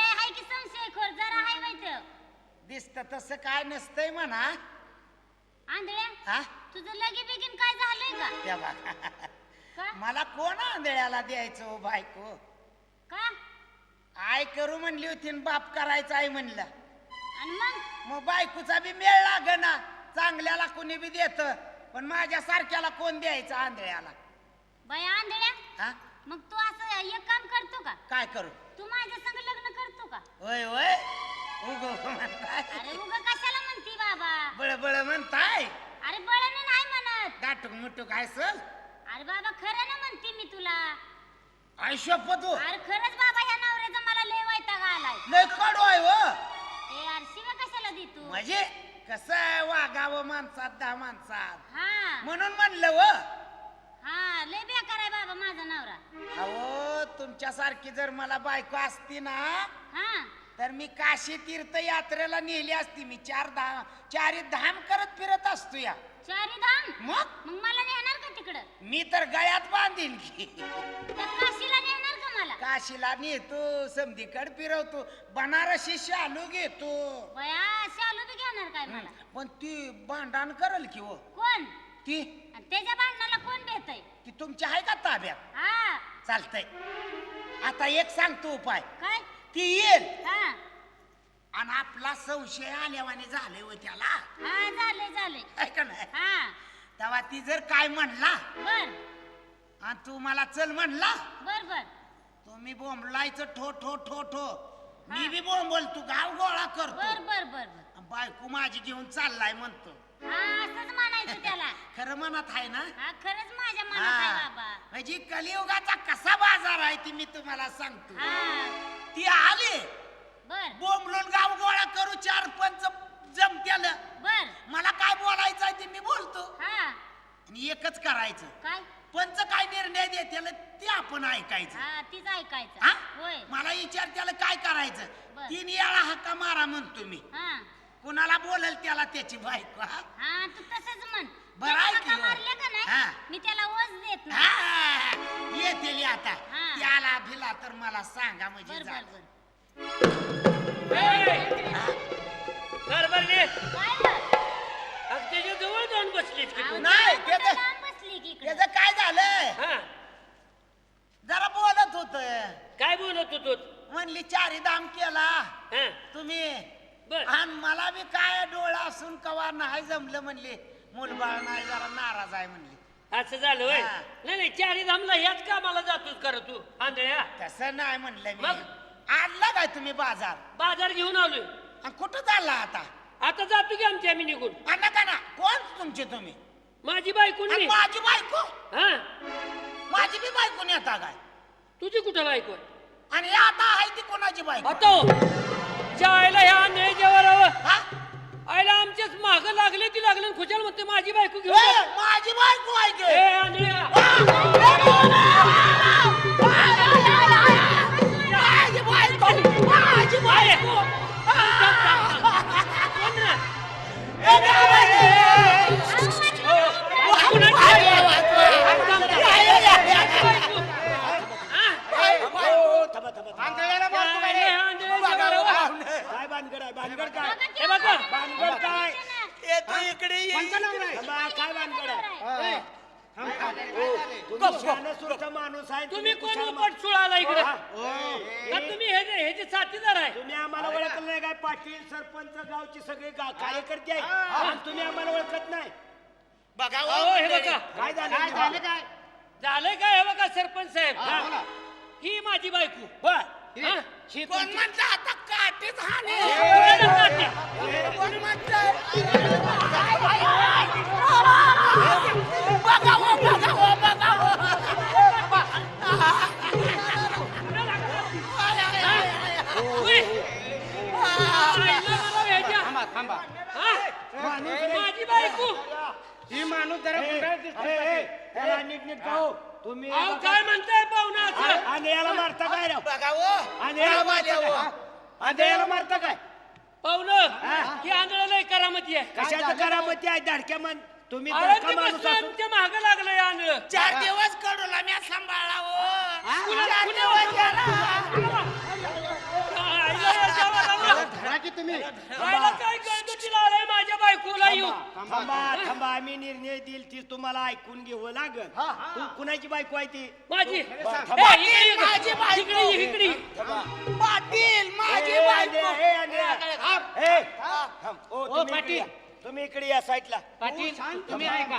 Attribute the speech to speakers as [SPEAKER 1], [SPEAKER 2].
[SPEAKER 1] हाय की संशय खोर जरा हाय माहिती
[SPEAKER 2] दिसत तसं काय नसतंय म्हणा.
[SPEAKER 1] आंधळ्या
[SPEAKER 2] हा
[SPEAKER 1] तुझं लगे बिगीन काय झालंय का?
[SPEAKER 2] त्या बघा
[SPEAKER 1] का
[SPEAKER 2] मला कोण आंधळ्याला द्यायचं हो बायको.
[SPEAKER 1] का
[SPEAKER 2] आय करू म्हणली होती न बाप करायचा आहे म्हणलं.
[SPEAKER 1] आणि
[SPEAKER 2] मग बायकोचा बी मेळ लाग ना. चांगल्याला कोणी बी देत पण माझ्या सारख्याला कोण द्यायचं आंधळ्याला.
[SPEAKER 1] बाय आंधळ्या
[SPEAKER 2] हा
[SPEAKER 1] मग तू असं एक काम करतो का?
[SPEAKER 2] काय करू?
[SPEAKER 1] तू माझ्या संग लग्न करतो का?
[SPEAKER 2] होय होय उगो म्हणताय.
[SPEAKER 1] अरे उगा कशाला म्हणती बाबा?
[SPEAKER 2] बळबळ म्हणताय.
[SPEAKER 1] अरे बळण नाही म्हणत.
[SPEAKER 2] दाटूक मुटूक आहे सर.
[SPEAKER 1] अरे बाबा खरं ना म्हणते मी तुला.
[SPEAKER 2] आयुष्यपत हो.
[SPEAKER 1] अरे खरंच बाबा ह्या नवऱ्याचा मला लय वैताग आलाय.
[SPEAKER 2] लय कडू आहे हो.
[SPEAKER 1] ए यार शिवा कशाला दे तू?
[SPEAKER 2] म्हणजे कसं आहे वागावं माणसात 10 माणसात
[SPEAKER 1] हा
[SPEAKER 2] म्हणून म्हणलं व.
[SPEAKER 1] हा लय बेकार आहे बाबा माझा नवरा.
[SPEAKER 2] अहो तुमच्यासारखी जर मला बायको असती ना
[SPEAKER 1] हा
[SPEAKER 2] तर मी काशी तीर्थ यात्रेला नेली असती. मी 4 धाम करत फिरत असतो या.
[SPEAKER 1] चारी धाम
[SPEAKER 2] मग
[SPEAKER 1] मग मला नेणार का तिकडं?
[SPEAKER 2] मी तर गळ्यात बांधीन की.
[SPEAKER 1] त्या काशीला नेणार का मला?
[SPEAKER 2] काशीला नेतो समधीकड फिरवतो बनारसी शालू घेतो.
[SPEAKER 1] बया शालू बी घेणार काय मला?
[SPEAKER 2] पण ती भांडण करल की हो.
[SPEAKER 1] कोण?
[SPEAKER 2] ती
[SPEAKER 1] आणि त्याच्या भांडणाला कोण भेटय?
[SPEAKER 2] ती तुमच्या आहे का ताब्यात?
[SPEAKER 1] हा
[SPEAKER 2] चालतंय. आता एक सांगतो उपाय.
[SPEAKER 1] काय?
[SPEAKER 2] ती येईल
[SPEAKER 1] हा
[SPEAKER 2] आणि आपला संशय आल्यावाने झाले हो त्याला.
[SPEAKER 1] हा झाले
[SPEAKER 2] आहे का नाही?
[SPEAKER 1] हा
[SPEAKER 2] तेव्हा ती जर काय म्हणला
[SPEAKER 1] बर
[SPEAKER 2] आणि तू मला चल म्हणला
[SPEAKER 1] बर बर
[SPEAKER 2] तुम्ही बोंबलायचं ठो ठो ठो ठो. मी बी बोंबल तू गाव गोळा
[SPEAKER 1] बर
[SPEAKER 2] करतो.
[SPEAKER 1] बर बर बर
[SPEAKER 2] बायको माझी घेऊन चाललाय म्हणतो.
[SPEAKER 1] हा असंच म्हणायचं त्याला.
[SPEAKER 2] खरं मनात आहे ना?
[SPEAKER 1] हा खरंच माझ्या मनात आहे
[SPEAKER 2] हा.
[SPEAKER 1] बाबा.
[SPEAKER 2] म्हणजे कलियुगाचा कसा बाजार आहे ती मी तुम्हाला सांगतो.
[SPEAKER 1] हा
[SPEAKER 2] ती आली
[SPEAKER 1] बर
[SPEAKER 2] बोंबलून गाव गोळा करू 4-5 जमत्याल.
[SPEAKER 1] बर
[SPEAKER 2] मला काय बोलायचं आहे ते मी बोलतो
[SPEAKER 1] हा
[SPEAKER 2] आणि एकच करायचं.
[SPEAKER 1] काय?
[SPEAKER 2] पंच काय निर्णय देत्याल ते आपण ऐकायचं.
[SPEAKER 1] हा तीच ऐकायचं.
[SPEAKER 2] हा?
[SPEAKER 1] होय
[SPEAKER 2] मला विचार त्याला काय करायचं.
[SPEAKER 1] बर.
[SPEAKER 2] 3 वेळा हक्का मारा म्हणतो मी.
[SPEAKER 1] हा
[SPEAKER 2] कुणाला बोलल त्याला त्याची बायको. हा?
[SPEAKER 1] हा तू तसंच म्हण.
[SPEAKER 2] बरं आहे की
[SPEAKER 1] त्याला
[SPEAKER 2] हो.
[SPEAKER 1] मारले का
[SPEAKER 2] हा.
[SPEAKER 1] नाही मी त्याला वज देत नाही.
[SPEAKER 2] हा, येतेली आता.
[SPEAKER 1] हा.
[SPEAKER 2] त्याला भिला तर मला सांगा म्हणजे
[SPEAKER 1] बर बर
[SPEAKER 2] झालं.
[SPEAKER 1] बर
[SPEAKER 3] कारभारने
[SPEAKER 1] काय बर?
[SPEAKER 3] त्याच्या जवळ जाऊन बसलीत की तू.
[SPEAKER 2] नाही,
[SPEAKER 1] कुठं
[SPEAKER 2] त्याचं-
[SPEAKER 1] लांब बसली की इकडं?
[SPEAKER 2] त्याचं काय झालं
[SPEAKER 3] हा
[SPEAKER 2] जरा बोलत होत.
[SPEAKER 3] काय बोलत होतो?
[SPEAKER 2] म्हणली 4 धाम केला
[SPEAKER 3] हा
[SPEAKER 2] तुम्ही
[SPEAKER 3] बर
[SPEAKER 2] आणि मला बी काय डोळा असून कवा नाही जमलं म्हणली. मुलबाळ नाही जरा नाराज आहे म्हणली.
[SPEAKER 3] असं झालं होय.
[SPEAKER 2] हा.
[SPEAKER 3] नाही 4 धामला ह्याच कामाला जातोस कर तू आंधळ्या.
[SPEAKER 2] तसं नाही म्हणलं मी.
[SPEAKER 3] मग?
[SPEAKER 2] आणला काय तुम्ही बाजार
[SPEAKER 3] बाजार घेऊन आलोय.
[SPEAKER 2] आणि कुठं चालला आता?
[SPEAKER 3] आता जातो की आमच्या आम्ही निघून.
[SPEAKER 2] नका ना. कोण तुमचे तुम्ही?
[SPEAKER 3] माझी बायको
[SPEAKER 2] आणि
[SPEAKER 3] मी.
[SPEAKER 2] माझी बायको?
[SPEAKER 3] हा
[SPEAKER 2] माझी बी बायको नेता काय?
[SPEAKER 3] तुझी कुठं बायको आहे?
[SPEAKER 2] आणि हे आता आहे ती कोणाची बायको?
[SPEAKER 3] आता जायला ह्या आंधळ्याच्या वरावर
[SPEAKER 2] हा?
[SPEAKER 3] आयला आमच्याच माग लागले ती लागले खुशाल म्हणते माझी बायको घेऊन
[SPEAKER 2] ए,
[SPEAKER 3] जा.
[SPEAKER 2] माझी बायको आहे की?
[SPEAKER 3] ए आंधळ्या
[SPEAKER 2] माझी बायको! माझी बायको! ए,
[SPEAKER 4] आंधळ्याला मारतो काय रे?
[SPEAKER 5] काय भानगड आहे? भानगड काय?
[SPEAKER 3] हे बघा
[SPEAKER 5] भानगड काय?
[SPEAKER 2] ए, तू इकडे ये.
[SPEAKER 4] कोणतं नवरा आहे?
[SPEAKER 5] थांबा, काय भानगड आहे?
[SPEAKER 3] ए,
[SPEAKER 5] तुम्ही शहाणा माणूस आहे.
[SPEAKER 3] तुम्ही कोण
[SPEAKER 5] कुशाल
[SPEAKER 3] उपट सुळाला इकडे
[SPEAKER 5] हा.
[SPEAKER 3] का तुम्ही हे जे साथीदार आहे?
[SPEAKER 5] तुम्ही आम्हाला ओळखलं नाही काय? पाटील सरपंच गावची सगळे कार्यकर्ते आहेत आणि तुम्ही आम्हाला ओळखत नाही.
[SPEAKER 2] बघा हो,
[SPEAKER 3] अहो, हे
[SPEAKER 2] मंडळी.
[SPEAKER 3] बघा
[SPEAKER 5] काय
[SPEAKER 4] काय
[SPEAKER 5] झालं?
[SPEAKER 4] झालं काय?
[SPEAKER 3] झालंय काय हे बघा सरपंच साहेब.
[SPEAKER 4] हा, बोला.
[SPEAKER 3] ही माझी बायको.
[SPEAKER 5] होय.
[SPEAKER 3] हा?
[SPEAKER 2] कोण म्हणतं आता काठीच हाणे? कोण म्हणतं? बघा हो, बघा हो, बघा हो.
[SPEAKER 3] उई. आईला मला भेजा.
[SPEAKER 4] थांबा थांबा.
[SPEAKER 3] हा? माझी बायको.
[SPEAKER 4] ही माणूस जरा गुंडाळ दिसतोय
[SPEAKER 5] ए,
[SPEAKER 4] का
[SPEAKER 5] ए,
[SPEAKER 4] ते?
[SPEAKER 5] त्याला नीट गाव. तुम्ही
[SPEAKER 3] अहो काय म्हणताय पाहुणा असं?
[SPEAKER 5] आणि याला मारता काय राव?
[SPEAKER 2] बघा हो.
[SPEAKER 5] आणि याला मारता
[SPEAKER 2] हो.
[SPEAKER 5] काय? आणि याला मारता काय?
[SPEAKER 3] पाहुणं ही आंधळाला करामती आहे.
[SPEAKER 5] कशाचं करामती आहे? धडक्या मन तुम्ही
[SPEAKER 3] अरे
[SPEAKER 5] धडका
[SPEAKER 3] ते
[SPEAKER 5] माणूस
[SPEAKER 3] बसलं
[SPEAKER 5] असून
[SPEAKER 3] आमच्या मागं लागलंय आंधळ.
[SPEAKER 2] 4 दिवस कडूला मी सांभाळला हो.
[SPEAKER 3] कुणा-
[SPEAKER 2] 4
[SPEAKER 3] कुणा-
[SPEAKER 2] दिवस गेला.
[SPEAKER 4] तुम्ही
[SPEAKER 3] खायला काय गळगटीला आलाय माझ्या बायकोला येऊ
[SPEAKER 5] थांबा आम्ही निर्णय देईल ती तुम्हाला ऐकून घ्यावं लागल तू कुणाची बायको आहे ती
[SPEAKER 3] माझी
[SPEAKER 5] थांबा.
[SPEAKER 2] माझी बायको.
[SPEAKER 3] इकडे
[SPEAKER 2] पाटील माझी
[SPEAKER 5] ए,
[SPEAKER 2] बायको.
[SPEAKER 5] ए, ए, ए, थांब. ओ, तुम्ही इकडे
[SPEAKER 3] पाटील.
[SPEAKER 5] या. तुम्ही इकडे या साईडला
[SPEAKER 3] पाटील तुम्ही ऐका